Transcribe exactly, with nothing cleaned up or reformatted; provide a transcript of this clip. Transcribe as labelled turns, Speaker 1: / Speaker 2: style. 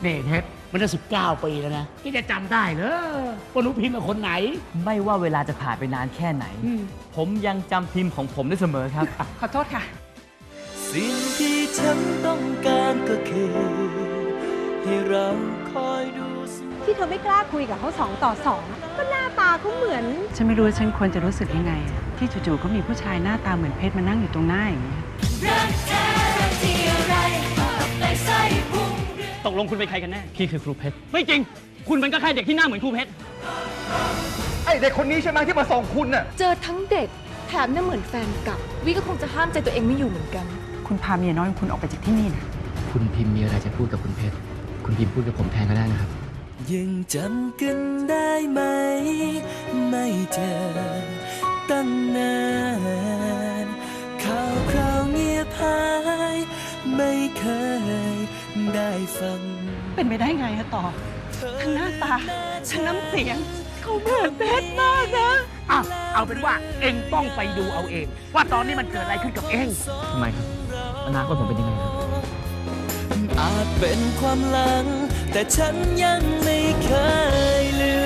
Speaker 1: นี่เพชรมันได้สิบเก้าปีแล้วนะนี่จะจำได้เหรอว่าหนูพิมพ์กับคนไหน
Speaker 2: ไม่ว่าเวลาจะผ่านไปนานแค่ไหน ผมยังจำพิมพ์ของผมได้เสมอครับ
Speaker 3: ขอโทษค่ะ
Speaker 4: สิ่งที่ฉันต้องการก็คือให้เราคอยดู
Speaker 5: ที่เธอไม่กล้าคุยกับเขาสองต่อสองก็หน้าตาเขาเหมือน
Speaker 3: ฉันไม่รู้ว่าฉันควรจะรู้สึกยังไง ที่จู่ๆก็มีผู้ชายหน้าตาเหมือนเพชรมานั่งอยู่ตรงหน้าอย่างนี้
Speaker 2: ตกลงคุณเป็นใครกันแน่ พี่คือครูเพชร ไม่จริง คุณเป็นก็แค่เด็กที่หน้าเหมือนครูเพชร
Speaker 6: ไอเด็กคนนี้ใช่ไหมที่มาส่งคุณน่ะ
Speaker 7: เจอทั้งเด็กแถมน่าเหมือนแฟนเก่าวิก็คงจะห้ามใจตัวเองไม่อยู่เหมือนกัน
Speaker 3: คุณพาเมียน้อยของคุณออกไปจากที่นี่นะ
Speaker 8: คุณพิมพ์มีอะไรจะพูดกับคุณเพชร คุณพิมพ์พูดกับผมแทนก็ได้นะครับ
Speaker 4: ยังจำกันได้ไหม ไม่เจอตั้งนานข่าวคราวเงียบหายไม่เคยได้ฟัง
Speaker 3: เป็นไปได้ไงฮะต่อ ทั้งหน้าตา ทั้งน้ำเสียง เขาเหมือนเพชรมากนะ
Speaker 1: อ่ะเอาเป็นว่าเองต้องไปดูเอาเอง ว่าตอนนี้มันเกิดอะไรขึ้นกับเอง
Speaker 8: ทำไมครับ อนาคตผมเป็นยังไงครับ
Speaker 4: อาจเป็นความหลัง แต่ฉันยังไม่เคยลืม